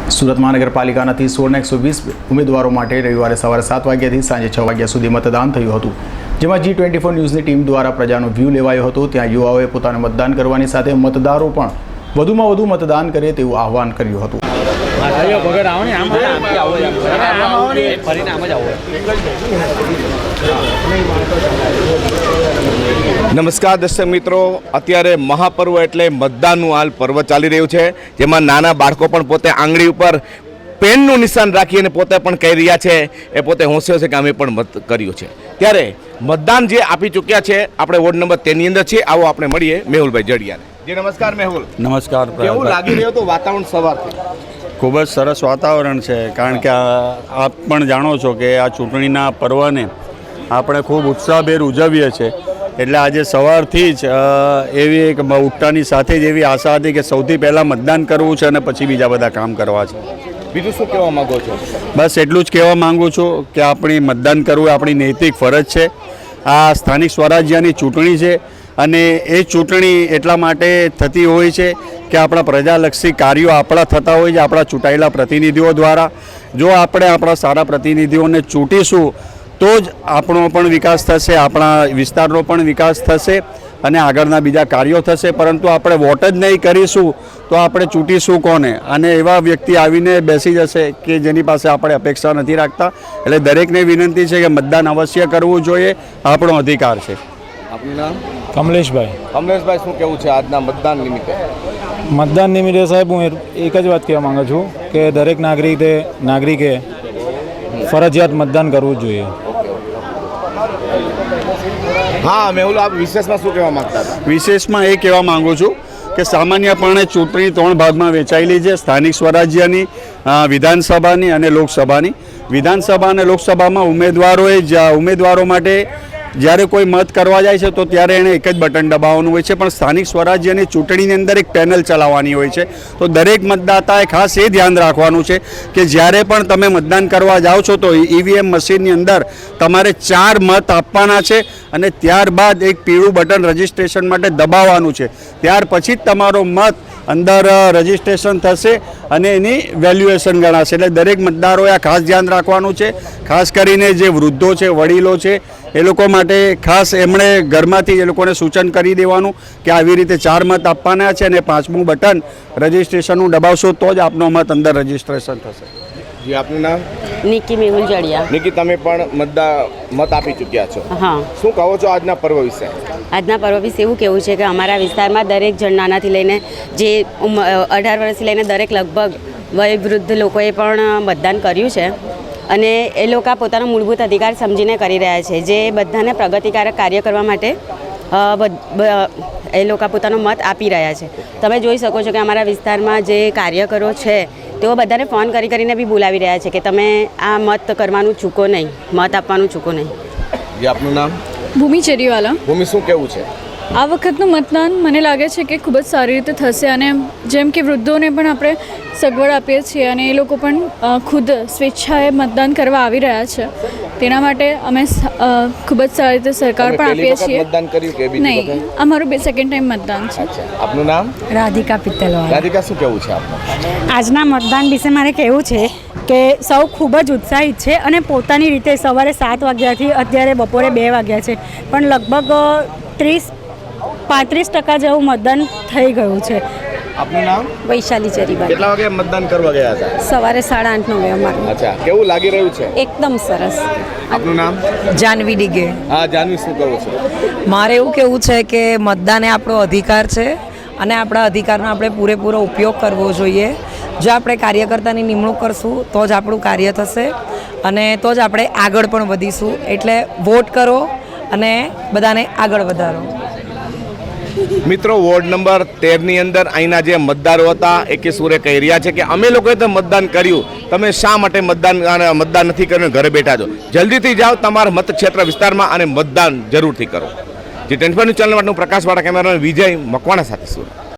સુરત મહાનગરપાલિકાના 16,120 ઉમેદવારો માટે રવિવારે સવારે 7 વાગ્યાથી સાંજે 6 વાગ્યા સુધી મતદાન થયું હતું, જેમાં G24 ન્યૂઝની ટીમ દ્વારા પ્રજાનો વ્યૂ લેવાયો હતો। ત્યાં યુવાઓએ પોતાને મતદાન કરવાની સાથે મતદારો પણ વધુમાં વધુ મતદાન કરે તેવું આહવાન કર્યું હતું। નમસ્કાર દર્શક મિત્રો, અત્યારે મહાપર્વ એટલે મતદાનનું હાલ પર્વ ચાલી રહ્યું છે, જેમાં નાના બાળકો પણ પોતે આંગળી ઉપર પેનનું નિશાન રાખી અને પોતે પણ કહી રહ્યા છે, એ પોતે હોંશે છે કે અમે પણ મત કર્યું છે। ત્યારે મતદાન જે આપી ચૂક્યા છે, આપણે વોર્ડ નંબર 13 ની અંદર છીએ। આવો આપણે મળીએ મેહુલભાઈ જડિયાને। જી નમસ્કાર મેહુલ। નમસ્કાર। કેવું લાગી રહ્યું હતું વાતાવરણ સવારથી? ખૂબ જ સરસ વાતાવરણ છે, કારણ કે આપ પણ જાણો છો કે આ ચૂંટણીના પર્વને આપણે ખૂબ ઉત્સાહભેર ઉજવીએ છીએ, એટલે આજે સવારથી જ એવી એક ઉઠતાની સાથે જ એવી આશા હતી કે સૌથી પહેલાં મતદાન કરવું છે અને પછી બીજા બધા કામ કરવા છે। બીજું શું કહેવા માંગો છો? બસ એટલું જ કહેવા માગું છું કે આપણી મતદાન કરવું આપણી નૈતિક ફરજ છે। આ સ્થાનિક સ્વરાજ્યની ચૂંટણી છે અને એ ચૂંટણી એટલા માટે થતી હોય છે કે આપણા પ્રજાલક્ષી કાર્યો આપણા થતા હોય છે આપણા ચૂંટાયેલા પ્રતિનિધિઓ દ્વારા। જો આપણે આપણા સારા પ્રતિનિધિઓને ચૂંટીશું તો જ આપણો પણ વિકાસ થશે, આપણા વિસ્તારનો પણ વિકાસ થશે અને આગળના બીજા કાર્યો થશે। પરંતુ આપણે વોટ જ નહીં કરીશું તો આપણે ચૂંટીશું કોને? અને એવા વ્યક્તિ આવીને બેસી જશે કે જેની પાસે આપણે અપેક્ષા નથી રાખતા। એટલે દરેકને વિનંતી છે કે મતદાન અવશ્ય કરવું જોઈએ, આપણો અધિકાર છે। આપનું નામ? કમલેશભાઈ। કમલેશભાઈ, શું કહેવું છે આજના મતદાન નિમિત્તે? મતદાન નિમિત્તે સાહેબ હું એક જ વાત કહેવા માંગુ છું કે દરેક નાગરિકે ફરજિયાત મતદાન કરવું જ જોઈએ। હા મેહુલ, આપ વિશેષમાં શું કહેવા માંગતા હતા? વિશેષમાં એ કહેવા માગું છું કે સામાન્યપણે ચૂંટણી 3 ભાગમાં વેચાયેલી છે, સ્થાનિક સ્વરાજ્યની, વિધાનસભાની અને લોકસભાની। વિધાનસભા અને લોકસભામાં ઉમેદવારો માટે જ્યારે કોઈ મત કરવા જાય છે તો ત્યારે એણે એક જ બટન દબાવવાનું હોય છે, પણ સ્થાનિક સ્વરાજ્યની ચૂંટણીની અંદર એક પેનલ ચલાવવાની હોય છે। તો દરેક મતદાતાએ ખાસ એ ધ્યાન રાખવાનું છે કે જ્યારે પણ તમે મતદાન કરવા જાઓ છો તો EVM મશીનની અંદર તમારે 4 મત આપવાના છે અને ત્યારબાદ એક પીળું બટન રજિસ્ટ્રેશન માટે દબાવવાનું છે। ત્યાર પછી જ તમારો મત અંદર રજિસ્ટ્રેશન થશે અને એની વેલ્યુએશન ગણાશે। એટલે દરેક મતદારોએ આ ખાસ ધ્યાન રાખવાનું છે। ખાસ કરીને જે વૃદ્ધો છે, વડીલો છે, એ લોકો માટે ખાસ એમણે ઘરમાંથી એ લોકોને સૂચન કરી દેવાનું કે આવી રીતે 4 મત આપવાના છે અને 5મું બટન રજિસ્ટ્રેશનનું દબાવશો તો જ આપનો મત અંદર રજિસ્ટ્રેશન થશે। જી આપનું નામ? નિકી મેહુલ જડિયા। નિકી, તમે પણ મત આપી ચૂક્યા છો? હા। શું કહો છો આજના પર્વ વિશે? આજના પર્વ વિશે એવું કહેવું છે કે અમારા વિસ્તારમાં દરેક જણ નાનાથી લઈને જે 18 વર્ષથી લઈને દરેક લગભગ વયવૃદ્ધ લોકોએ પણ મતદાન કર્યું છે અને એ લોકો પોતાનો મૂળભૂત અધિકાર સમજીને કરી રહ્યા છે, જે બધાને પ્રગતિકારક કાર્ય કરવા માટે એ લોકો પોતાનો મત આપી રહ્યા છે। તમે જોઈ શકો છો કે અમારા વિસ્તારમાં જે કાર્યકરો છે તેઓ બધાને ફોન કરીને બી બોલાવી રહ્યા છે કે તમે આ મત કરવાનું ચૂકો નહીં, મત આપવાનું ચૂકો નહીં। જી આપનું નામ? ભૂમિ ચેરીવાલા। ભૂમિ, શું કહેવું છે? આ વખતનું મતદાન મને લાગે છે કે ખૂબ જ સારી રીતે થશે અને જેમ કે વૃદ્ધોને પણ આપણે સગવડ આપીએ છીએ અને એ લોકો પણ ખુદ સ્વેચ્છાએ મતદાન કરવા આવી રહ્યા છે, તેના માટે અમે ખૂબ જ સારી રીતે સરકાર પણ આપીએ છીએ। મતદાન કર્યું કે બીજી વખત? નહીં, અમારું સેકન્ડ ટાઈમ મતદાન છે। આપનું નામ? રાધિકા પિત્તલવાળા। રાધિકા, શું કહેવું છે આપનું? આજના મતદાન વિશે મારે કહેવું છે કે સૌ ખૂબ જ ઉત્સાહિત છે અને પોતાની રીતે સવારે 7 વાગ્યાથી અત્યારે બપોરે 2 વાગ્યા છે, પણ લગભગ 35% જેવું મતદાન થઈ ગયું છે। આપનું નામ? વૈશાલી ચરીબાઈ। કેટલા વાગે મતદાન કરવા ગયા હતા? સવારે 8:30-9 અમારું। અચ્છા, કેવું લાગી રહ્યું છે? એકદમ સરસ। આપનું નામ? જાનવી ડીગે। હા જાનવી, શું કહો છો? મારે એવું કહેવું છે કે મતદાન એ આપણો અધિકાર છે અને આપણા અધિકારનો આપણે પૂરેપૂરો ઉપયોગ કરવો જોઈએ। જો આપણે કાર્યકર્તાની નિમણૂક કરશું તો જ આપણું કાર્ય થશે અને તો જ આપણે આગળ પણ વધીશું। એટલે વોટ કરો અને બધાને આગળ વધારો। મિત્રો, વોર્ડ નંબર 13 ની અંદર અહીંના જે મતદારો હતા એ કિશોરે કહી રહ્યા છે કે અમે લોકોએ તો મતદાન કર્યું, તમે શા માટે મતદાન નથી કર્યું, ઘરે બેઠા છો? જલ્દીથી જાઓ તમારા મતક્ષેત્ર વિસ્તારમાં અને મતદાન જરૂરથી કરો। G24 ચેનલ માટે પ્રકાશવાળા કેમેરામેન વિજય મકવાણા સાથે સુરત।